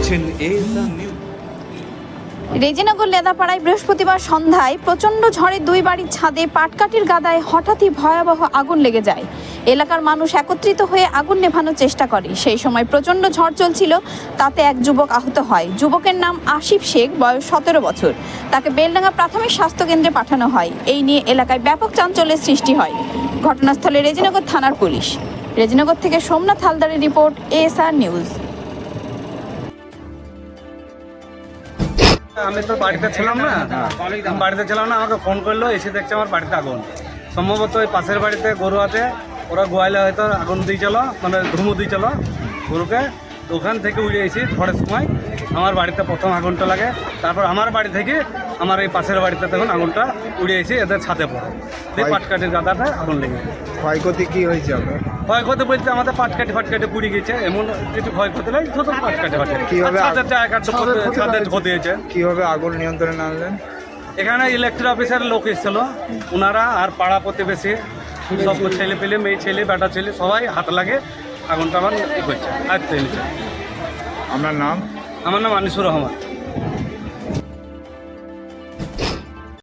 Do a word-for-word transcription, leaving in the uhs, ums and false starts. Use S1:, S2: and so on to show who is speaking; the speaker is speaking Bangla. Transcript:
S1: দেখছেন এএসআর নিউজ।
S2: রেজিনগর লেদাপাড়ায় বৃহস্পতিবার সন্ধ্যায় প্রচণ্ড ঝড়ে দুই বাড়ির ছাদে পাটকাঠির গাদায় হঠাৎই ভয়াবহ আগুন লেগে যায়। এলাকার মানুষ একত্রিত হয়ে আগুন নেভানোর চেষ্টা করে। সেই সময় প্রচণ্ড ঝড় চলছিল, তাতে এক যুবক আহত হয়। যুবকের নাম আসিফ শেখ, বয়স সতেরো বছর। তাকে বেলডাঙ্গা প্রাথমিক স্বাস্থ্যকেন্দ্রে পাঠানো হয়। এই নিয়ে এলাকায় ব্যাপক চাঞ্চল্যের সৃষ্টি হয়। ঘটনাস্থলে রেজিনগর থানার পুলিশ। রেজিনগর থেকে সোমনাথ হালদারের রিপোর্ট, এএসআর নিউজ।
S3: আমি তো বাড়িতে ছিলাম না, আমি বাড়িতে ছিলাম না আমাকে ফোন করলো, এসে দেখছে আমার বাড়িতে আগুন। সম্ভবত ওই পাশের বাড়িতে গরু আছে, ওরা গোয়ালে হয়তো আগুন দিয়েছিল, মানে ধুমু দিয়েছিল গরুকে। তো ওখান থেকে উড়ে এসেছি ঝড়ের সময়, আমার বাড়িতে প্রথম আগুনটা লাগে। তারপর আমার বাড়ি থেকে আমার এই পাশের বাড়িতে তখন আগুনটা উড়ে এসে এদের ছাদে পড়ে, এই পাটকাঠির গাদাতে আগুন লেগে।
S4: ক্ষয়ক্ষতি কি হয়েছে আপনার?
S3: ক্ষয়ক্ষতি বলতে আমাদের পাটকাঠি ফাটকাঠি পুড়ে গেছে, এমন কিছু ক্ষয়ক্ষতি নেই, শুধু পাটকাঠি ফাটকাঠি।
S4: কিভাবে
S3: ছাদের জায়গা ছাদের ক্ষতি হয়েছে।
S4: কিভাবে আগুন নিয়ন্ত্রণে আনলেন?
S3: এখানে ইলেকট্রিক অফিসের লোক এসেছিল, ওনারা আর পাড়া প্রতিবেশী সব ছেলে পেলে, মেয়ে ছেলে, বেটা ছেলে সবাই হাত লাগে আগুনটা আমার ই করছে, আয়ত্তে নিচ্ছে।
S4: আপনার নাম?
S3: আমার নাম আনিসুর রহমান।